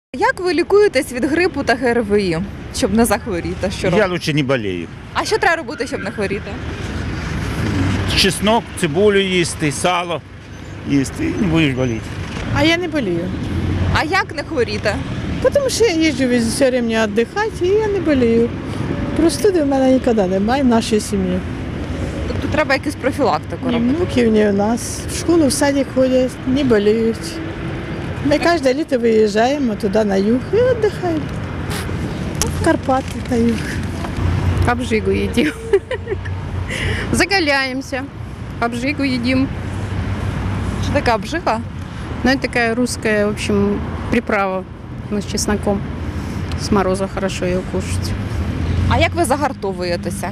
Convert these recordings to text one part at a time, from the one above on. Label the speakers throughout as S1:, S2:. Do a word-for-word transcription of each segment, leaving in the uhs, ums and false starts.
S1: Як ви лікуєтесь від грипу та ГРВІ, щоб не захворіти? Що
S2: Я
S1: робите?
S2: лучше не болею.
S1: А що треба робити, щоб не хворіти?
S2: Чеснок, цибулю їсти, сало їсти і не будеш боліти.
S3: А я не болею.
S1: А як не хворіти?
S3: Тому що я їжджу все время віддихати і я не болею. Простуди в мене ніколи немає в нашій сім'ї.
S1: Тобто треба якусь профілактику
S3: Ні
S1: робити?
S3: внуків, ні у нас. В школу, в садик ходять, не боліють. Ми кожне літо виїжджаємо туди на юг і віддихаємо. В Карпати на юг.
S4: Обжигу едим. Заголяемся. Обжигу едим.
S1: Що така обжига?
S4: Ну, это такая русская, в общем, приправа ну, с чесноком. С мороза хорошо ее кушать.
S1: А як ви загартовуєтеся?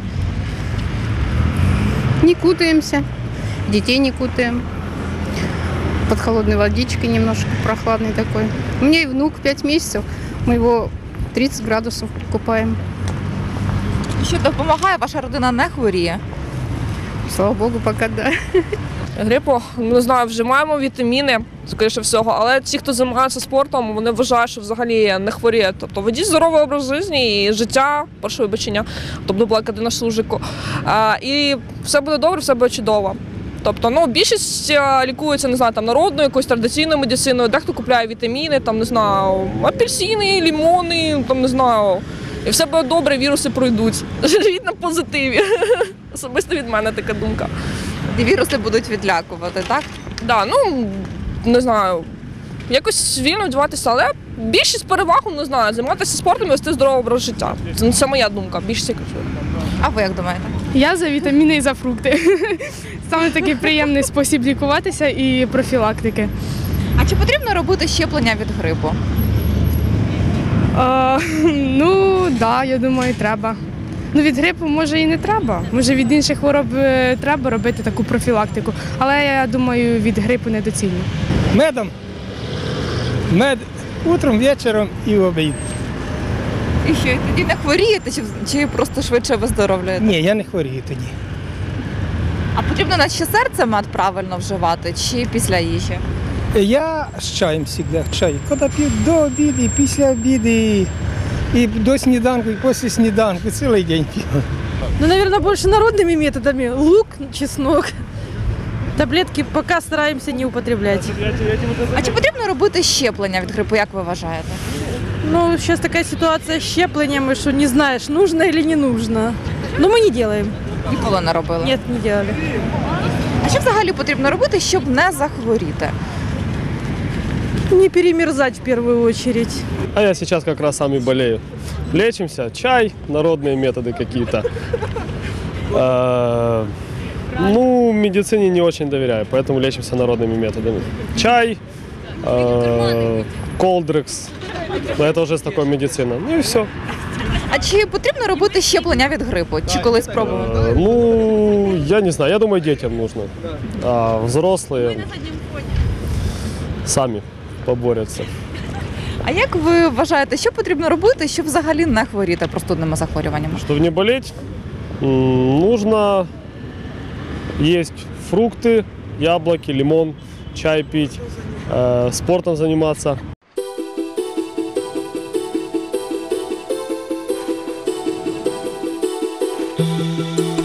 S4: Не кутаемся. Детей не кутаем. Под холодной водичкой немножко прохладный такой. У меня и внук пять месяцев. Мы его тридцать градусов купаем.
S1: Що допомагає, ваша родина не хворіє?
S4: Слава богу, пока да.
S5: Грипу, не знаю, вживаємо вітаміни, скоріше всього, але ті, хто займається спортом, вони вважають, що взагалі не хворіє. Тобто ведіть здоровий образ життя і життя, перше вибачення, тобто була кадина служику. А, і все буде добре, все буде чудово. Тобто, ну, більшість лікується, не знаю, там, народною, якоюсь традиційною медициною, дехто купляє вітаміни, там, не знаю, апельсини, лимони, там, не знаю, і все буде добре, віруси пройдуть. Живіть на позитиві. Особисто від мене така думка.
S1: І віруси будуть відлякувати, так?
S5: Да, ну, не знаю, якось вільно вдіватися, але більшість переваг, не знаю, займатися спортом і вести здоровий образ життя. Це, це моя думка, більшість я кажу.
S1: А ви як думаєте?
S6: Я за вітаміни і за фрукти. Саме такий приємний спосіб лікуватися і профілактики.
S1: А чи потрібно робити щеплення від грипу?
S6: А, ну, так, да, я думаю, треба. Ну, від грипу, може, і не треба. Може, від інших хвороб е, треба робити таку профілактику. Але я думаю, від грипу недоцільно.
S7: Медом. Мед утром, вечором і в обід.
S1: І що, і тоді не хворієте, чи, чи просто швидше виздоровлюєте?
S7: Ні, я не хворію тоді.
S1: А потрібно на ще серце мед правильно вживати, чи після їжі?
S7: Я з чаєм завжди, чай. Коли п'ю до обіду, і після обіду, і, і до сніданку, і після сніданку, цілий день п'ю.
S8: Ну, наверное, больше народными методами. Лук, чеснок. Таблетки пока стараемся не употреблять.
S1: А чи потрібно робити щеплення від грипу, як ви вважаєте?
S8: Ну, сейчас такая ситуация с щеплениями, что не знаешь, нужно или не нужно. Но мы не делаем.
S1: Ніколи не робили?
S8: Нет, не делали.
S1: А що взагалі потрібно робити, щоб не захворіти?
S8: Не перемерзать в первую очередь.
S9: А я сейчас как раз сам и болею. Лечимся, чай, народные методы какие-то. Э, Ну, медицине не очень доверяю, поэтому лечимся народными методами. Чай, э, колдрекс, но это уже с такой медициной. Ну и все.
S1: А чи потрібно робити щеплення від грипу? Чи колись спробували?
S9: Э, Ну, я не знаю, я думаю, детям нужно. А взрослые сами поборются.
S1: А як ви вважаєте, що потрібно робити, щоб взагалі не хворіти простудними захворюваннями?
S9: Чтобы не болеть, м, нужно есть фрукты, яблоки, лимон, чай пить, э, спортом заниматься.
S10: Thank you.